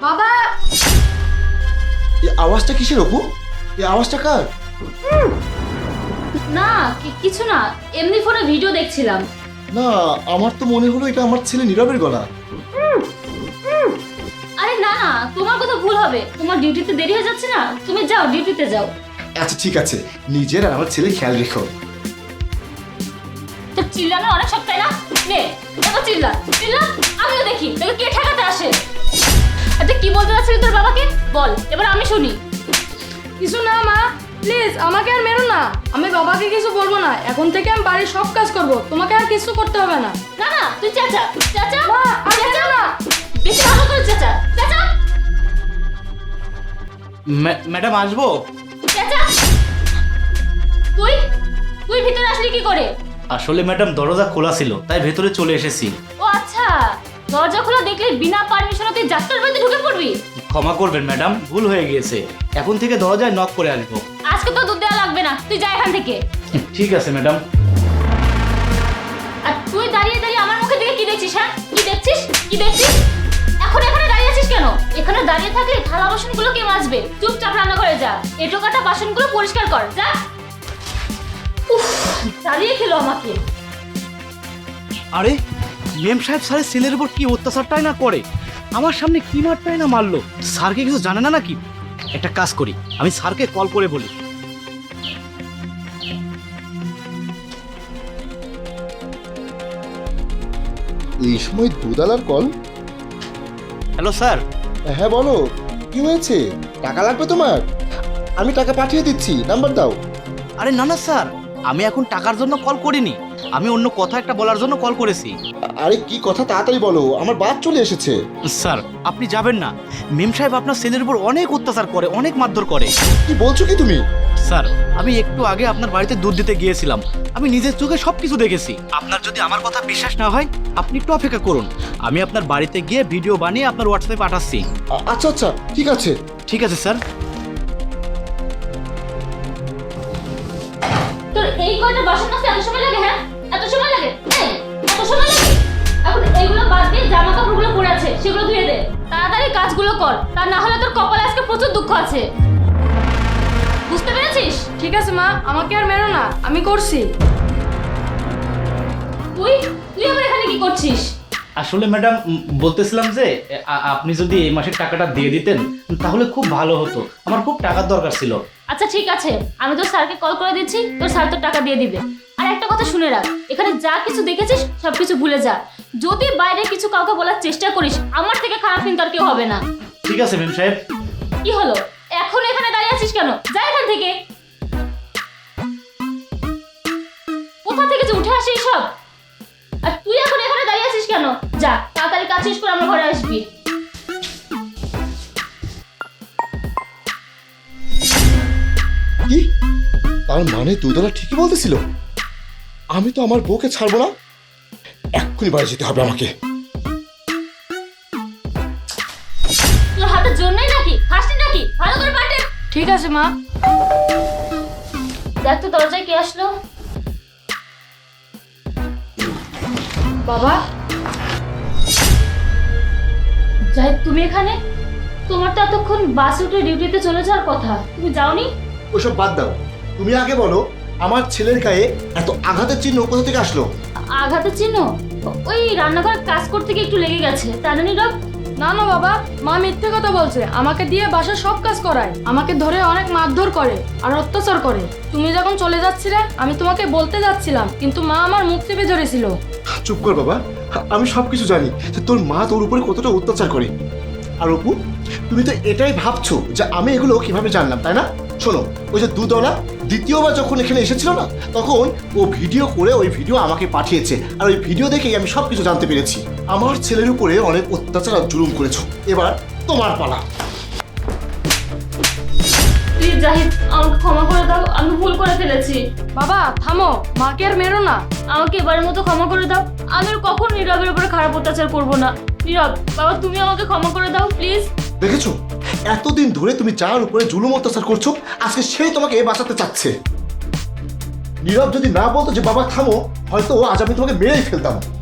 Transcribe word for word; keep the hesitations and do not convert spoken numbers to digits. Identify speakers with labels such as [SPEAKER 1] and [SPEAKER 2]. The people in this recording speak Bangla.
[SPEAKER 1] বাবা,
[SPEAKER 2] এই আওয়াজটা কিসের অপু? এই আওয়াজটা কার?
[SPEAKER 3] না কি- কিছু না, এমনি ফোনে ভিডিও দেখছিলাম।
[SPEAKER 2] না, আমার তো মনে হলো এটা আমার ছেলে নীরবের গলা।
[SPEAKER 3] আরে না না, তোমার কথা ভুল হবে। তোমার ডিউটিতে দেরি হয়ে যাচ্ছে না, তুমি যাও, ডিউটিতে যাও।
[SPEAKER 2] আচ্ছা ঠিক আছে, নিজের আর আমার ছেলে খেয়াল রেখো।
[SPEAKER 3] তোর চিল্লানো অনেক শখ, তাই না? নে এবার চিল্লা চিল্লা, আমিও দেখি তোকে কে ঠেকাতে আসে। আচ্ছা কি বলতে চাচ্ছিলি তোর বাবাকে বল, এবার আমি শুনি।
[SPEAKER 1] কিছু না মা, প্লিজ আমাকে আর মেরো না। আমি বাবাকে কিছু বলবো না। এখন থেকে আমি বাড়ির সব কাজ করব, তোমাকে আর কিছু করতে হবে না।
[SPEAKER 3] না না, তুই চাচা চাচা
[SPEAKER 1] মা, আর
[SPEAKER 3] চাচা
[SPEAKER 1] মেরো না।
[SPEAKER 3] বেশি ভালো করে চাচা চাচা
[SPEAKER 4] ম্যাডাম আসবো?
[SPEAKER 3] চাচা তুই তুই ভিতরে আসলি কি করে?
[SPEAKER 4] আসলে ম্যাডাম দরজা খোলা ছিল, তাই ভেতরে চলে এসেছি।
[SPEAKER 3] ও আচ্ছা, দরজা খোলা দেখলে বিনা পারমিশনে তুই যাত্রার বাড়িতে ঢুকে পড়বি?
[SPEAKER 4] ক্ষমা করবেন ম্যাডাম, ভুল হয়ে গিয়েছে। এখন থেকে দরজায় নক করে আসবো।
[SPEAKER 3] আজকে তো দুধ দেওয়া লাগবে না, তুই যা এখান থেকে।
[SPEAKER 4] ঠিক আছে ম্যাডাম।
[SPEAKER 3] আর তুই দাঁড়িয়ে দাঁড়িয়ে আমার মুখের দিকে কি দেখছিস? হ্যাঁ, কি দেখছিস কি দেখছিস? এখন এখানে দাঁড়িয়ে আছিস কেন? এখানে দাঁড়িয়ে থাকলে থালা বাসনগুলো কে মাজবে? চুপচাপ রান্না করে যা, এটো কাটা বাসনগুলো পরিষ্কার কর যা। উফ, জ্বালিয়ে খেলো আমাকে।
[SPEAKER 4] আরে মেম সাহেব স্যারের ছেলের উপর কি অত্যাচারটাই না করে, আমার সামনে কি মারটাই না মারলো। স্যারকে কিছু জানে না নাকি? একটা কাজ করি, আমি স্যারকে কল করে বলি।
[SPEAKER 2] এই সময় দুদালার কল?
[SPEAKER 4] Hello sir.
[SPEAKER 2] হ্যাঁ বলো, কি হয়েছে? টাকা লাগবে তোমার? আমি টাকা পাঠিয়ে দিচ্ছি, নাম্বার দাও।
[SPEAKER 4] আরে না না স্যার, আমি এখন টাকার জন্য কল করিনি, আমি অন্য কথা একটা বলার জন্য কল করেছি।
[SPEAKER 2] আরে কি কথা, তাড়াতাড়ি বলো, আমার বাস চলে এসেছে।
[SPEAKER 4] স্যার আপনি যাবেন না, মেম সাহেব আপনার ছেলের উপর অনেক অত্যাচার করে, অনেক মারধর করে।
[SPEAKER 2] কি বলছো কি তুমি?
[SPEAKER 4] স্যার আমি একটু আগে আপনার বাড়িতে দুধ দিতে গিয়েছিলাম, আমি নিজের চোখে সবকিছু দেখেছি। আপনার যদি আমার কথা বিশ্বাস না হয় আপনি একটু অপেক্ষা করুন, আমি আপনার বাড়িতে গিয়ে ভিডিও বানিয়ে আপনার হোয়াটসঅ্যাপে পাঠাচ্ছি।
[SPEAKER 2] আ- আচ্ছা আচ্ছা ঠিক আছে।
[SPEAKER 4] ঠিক আছে স্যার।
[SPEAKER 3] তোর এই কয়টা বাসন মাজতে এত সময় লাগে? হ্যাঁ, এত সময় লাগে? এই, এত সময় লাগে? এখন এইগুলো বাদ দিয়ে জামা কাপড়গুলো পরে আছে সেগুলো ধুয়ে দে, তাড়াতাড়ি কাজগুলো কর, তা না হলে তোর কপালে আজকে প্রচুর দুঃখ আছে। বুঝতে পেরেছিস?
[SPEAKER 1] ঠিক আছে মা, আমাকে আর মেরো না, আমি করছি।
[SPEAKER 3] তুই তুই আবার এখানে কি করছিস?
[SPEAKER 4] আসলে ম্যাডাম বলতেছিলাম যে আ- আপনি যদি এই মাসের টাকাটা দিয়ে দিতেন তাহলে খুব ভালো হতো, আমার খুব টাকার দরকার ছিল।
[SPEAKER 3] আচ্ছা ঠিক আছে, আমি তোর স্যারকে কল করে দিচ্ছি, তোর স্যার তোর টাকা দিয়ে দিবে। আর একটা কথা শুনে রাখ, এখানে যা কিছু দেখেছিস সব কিছু ভুলে যা। যদি বাইরে কিছু কাউকে বলার চেষ্টা করিস, আমার থেকে খারাপ কিন্তু আর কেউ হবে না।
[SPEAKER 4] ঠিক আছে মেম সাহেব।
[SPEAKER 3] কি হলো, এখন এখানে দাঁড়িয়ে আছিস কেন? যা এখান থেকে। কোথা থেকে যে উঠে আসিস সব? আর তুই এখন এখানে দাঁড়িয়ে আছিস কেন? যা তাড়াতাড়ি কাজ শেষ করে আমার ঘরে আসবি।
[SPEAKER 2] কি? তার মানে দুদলা ঠিকই বলতেছিল, আমি তো আমার বউকে ছাড়বো না। এক্ষুনি বাড়ি যেতে হবে আমাকে।
[SPEAKER 3] তোর হাতের জন্যই নাকি? খাসনি নাকি? ভালো করে পাঠে।
[SPEAKER 1] ঠিক আছে মা।
[SPEAKER 3] দেখ তো দরজায় কে আসলো।
[SPEAKER 1] বাবা,
[SPEAKER 3] যাই তুমি এখানে? তোমার তো এতক্ষণ বাসে উঠে ডিউটিতে চলে যাওয়ার কথা, তুমি যাওনি?
[SPEAKER 2] ওসব বাদ দাও, তুমি আগে বলো আমার ছেলের গায়ে এত আঘাতের চিহ্ন কোথা থেকে আসলো?
[SPEAKER 3] আঘাতের চিহ্ন? ওই রান্নাঘরে কাজ করতে গিয়ে একটু লেগে গেছে, তা জানি রব।
[SPEAKER 1] না না বাবা, মা মিথ্যে কথা বলছে। আমাকে দিয়ে বাসার সব কাজ করায়, আমাকে ধরে অনেক মারধর করে আর অত্যাচার করে। তুমি যখন চলে যাচ্ছিলে আমি তোমাকে বলতে যাচ্ছিলাম, কিন্তু মা আমার মুখ চেপে ধরেছিল।
[SPEAKER 2] চুপ কর বাবা, আমি সবকিছু জানি যে তোর মা তোর উপরে কতটা অত্যাচার করে। আর অপু, তুমি তো এটাই ভাবছো যে আমি এগুলো কিভাবে জানলাম, তাই না? শোনো, ওই যে দুদলা দ্বিতীয়বার যখন এখানে এসেছিল না, তখন ও ভিডিও করে ওই ভিডিও আমাকে পাঠিয়েছে, আর ওই ভিডিও দেখেই আমি সবকিছু জানতে পেরেছি। আমার ছেলের উপরে অনেক অত্যাচার আর জুলুম করেছো, এবার তোমার পালা।
[SPEAKER 3] প্লিজ জাহিদ, আমাকে ক্ষমা করে দাও, আমি ভুল করে ফেলেছি।
[SPEAKER 1] বাবা থামো, মাকে আর মেরো না।
[SPEAKER 3] আমাকে এবারের মতো ক্ষমা করে দাও, আমি আর কখনো নীরবের উপরে খারাপ অত্যাচার করবো না। নীরব বাবা, তুমি আমাকে ক্ষমা করে দাও প্লিজ।
[SPEAKER 2] দেখেছো, এতদিন ধরে তুমি যার উপরে জুলুম অত্যাচার করছো, আজকে সেই তোমাকে বাঁচাতে চাচ্ছে। নীরব যদি না বলতো যে বাবা থামো, হয়তো আজ আমি তোমাকে মেরেই ফেলতাম।